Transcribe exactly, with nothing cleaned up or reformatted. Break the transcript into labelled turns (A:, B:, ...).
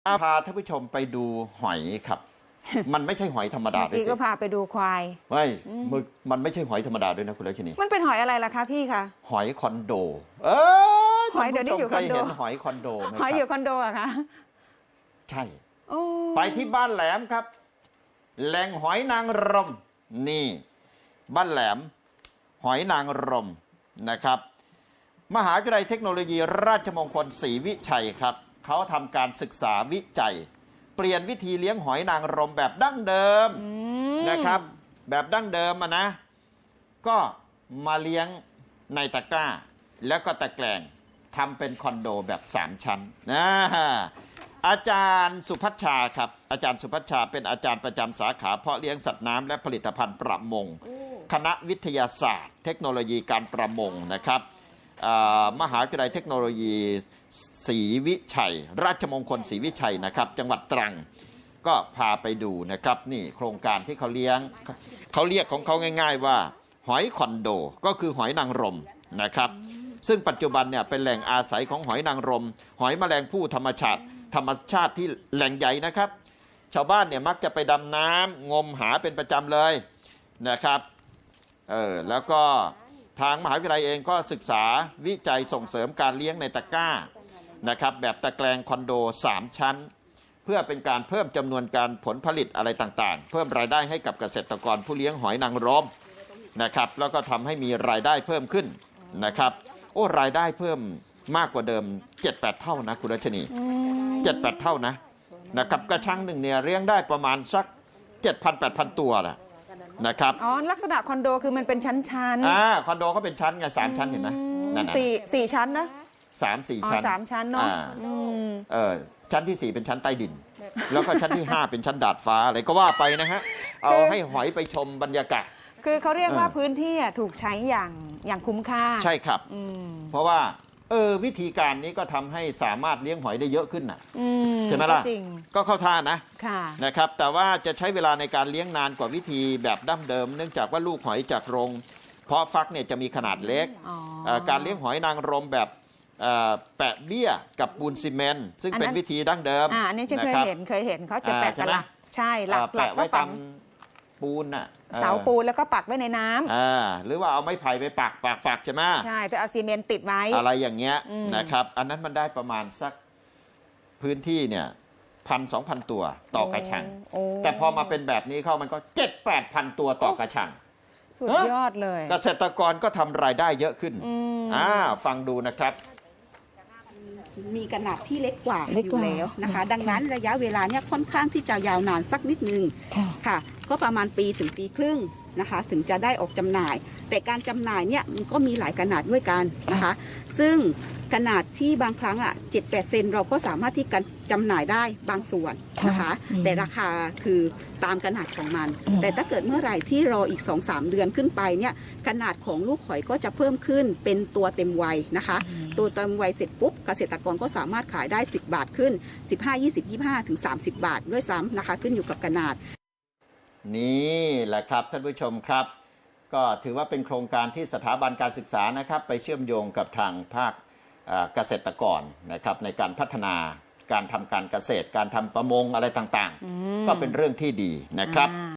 A: พาท่านผู้ชมไปดูหอยครับ มันไม่ใช่หอยธรรมดาด้วยสิ
B: พี่ก็พาไปดูควาย
A: ไม่มึกมันไม่ใช่หอยธรรมดาด้วยนะคุณรัชนี
B: มันเป็นหอยอะไรล่ะคะพี่คะ
A: หอยคอนโดเออ
B: หอยเดี๋ยวนี้อยู่คอนโด
A: เคยเห็นหอยคอนโดไหม
B: หอยอยู่คอนโดอะคะ
A: ใช่ไปที่บ้านแหลมครับแหล่งหอยนางรมนี่บ้านแหลมหอยนางรมนะครับมหาวิทยาลัยเทคโนโลยีราชมงคลศรีวิชัยครับเขาทำการศึกษาวิจัยเปลี่ยนวิธีเลี้ยงหอยนางรมแบบดั้งเดิมนะครับแบบดั้งเดิมอะนะก็มาเลี้ยงในตะกร้าแล้วก็ตะแกรงทำเป็นคอนโดแบบสามชั้นนะอาจารย์สุพัชชาครับอาจารย์สุพัชชาเป็นอาจารย์ประจำสาขาเพาะเลี้ยงสัตว์น้ำและผลิตภัณฑ์ประมงคณะวิทยาศาสตร์เทคโนโลยีการประมงนะครับมหาวิทยาลัยเทคโนโลยีศรีวิชัยราชมงคลศรีวิชัยนะครับจังหวัดตรังก็พาไปดูนะครับนี่โครงการที่เขาเลี้ยงเขาเรียกของเขาง่ายๆว่าหอยคอนโดก็คือหอยนางรมนะครับซึ่งปัจจุบันเนี่ยเป็นแหล่งอาศัยของหอยนางรมหอยแมลงภู่ธรรมชาติธรรมชาติที่แหล่งใหญ่นะครับชาวบ้านเนี่ยมักจะไปดำน้ำงมหาเป็นประจำเลยนะครับเออแล้วก็ทางมหาวิทยาลัยเองก็ศึกษาวิจัยส่งเสริมการเลี้ยงในตะกร้านะครับแบบตะแกรงคอนโดสามชั้นเพื่อเป็นการเพิ่มจำนวนการผลผลิตอะไรต่างๆเพิ่มรายได้ให้กับเกษตรกรผู้เลี้ยงหอยนางรมนะครับแล้วก็ทำให้มีรายได้เพิ่มขึ้นนะครับโอ้รายได้เพิ่มมากกว่าเดิม เจ็ดแปด เท่านะคุณรัชนี เจ็ดแปด เท่านะนะครับกระชังหนึ่งเนี่ยเลี้ยงได้ประมาณสัก เจ็ดพัน แปดพัน ตัวนะนะครับ
B: อ๋อลักษณะคอนโดคือมันเป็นชั้น
A: ๆอ่าคอนโดเขาเป็นชั้นไงสามชั้นเห็นไหมนั่นน่ะ
B: สี่สี่ชั้นนะ
A: สามสี่ชั้น
B: สามชั้นเนาะ
A: เออชั้นที่สี่เป็นชั้นใต้ดินแล้วก็ชั้นที่ห้าเป็นชั้นดาดฟ้าอะไรก็ว่าไปนะฮะเอาให้หอยไปชมบรรยากาศ
B: คือเขาเรียกว่าพื้นที่ถูกใช้อย่างอย่างคุ้มค่า
A: ใช่ครับเพราะว่าเออวิธีการนี้ก็ทำให้สามารถเลี้ยงหอยได้เยอะขึ้นน่ะใช่ไหมล่ะก็เข้าท่านะนะครับแต่ว่าจะใช้เวลาในการเลี้ยงนานกว่าวิธีแบบดั้งเดิมเนื่องจากว่าลูกหอยจากโรงเพาะฟักเนี่ยจะมีขนาดเล็กการเลี้ยงหอยนางรมแบบแปะเบี้ยกับปูนซีเมนต์ซึ่งเป็นวิธีดั้งเดิม
B: อ่าอันนี้ฉันเคยเห็นเคยเห็นเขาจะแปะกันละใช่หลักหลักก็ฝัง
A: ปูนน่ะ
B: เสาปูนแล้วก็ปักไว้ในน้ำ
A: อ่าหรือว่าเอาไม้ไผ่ไปปักปักปักใช่ไหม
B: ใช่แต่เอาซีเมนต์ติดไว้
A: อะไรอย่างเงี้ยนะครับอันนั้นมันได้ประมาณสักพื้นที่เนี่ยพันสองพันตัวต่อกระชังแต่พอมาเป็นแบบนี้เข้ามันก็เจ็ดแปดพันตัวต่อกระชัง
B: สุดยอดเลย
A: เกษตรกรก็ทำรายได้เยอะขึ้นอ่าฟังดูนะครับ
C: มีขนาดที่เล็กกว่าอยู่แล้วนะคะดังนั้นระยะเวลาเนี่ยค่อนข้างที่จะยาวนานสักนิดนึงค่ะก็ประมาณปีถึงปีครึ่งนะคะถึงจะได้ออกจำหน่ายแต่การจำหน่ายเนี่ยมันก็มีหลายขนาดด้วยกันนะคะซึ่งขนาดที่บางครั้งอ่ะเจ็ดแปดเซนเราก็สามารถที่จะจำหน่ายได้บางส่วนนะคะแต่ราคาคือตามขนาดของมันแต่ถ้าเกิดเมื่อไหร่ที่รออีก สองสาม เดือนขึ้นไปเนี่ยขนาดของลูกหอยก็จะเพิ่มขึ้นเป็นตัวเต็มวัยนะคะตัวเต็มวัยเสร็จปุ๊บเกษตรกรก็สามารถขายได้สิบบาทขึ้นสิบห้า ยี่สิบ ยี่สิบห้าถึงสามสิบบาทด้วยซ้ำนะคะขึ้นอยู่กับขนาด
A: นี่แหละครับท่านผู้ชมครับก็ถือว่าเป็นโครงการที่สถาบันการศึกษานะครับไปเชื่อมโยงกับทางภาคเกษตรกรนะครับในการพัฒนาการทำการเกษตรการทำประมงอะไรต่างๆก็เป็นเรื่องที่ดีนะครับ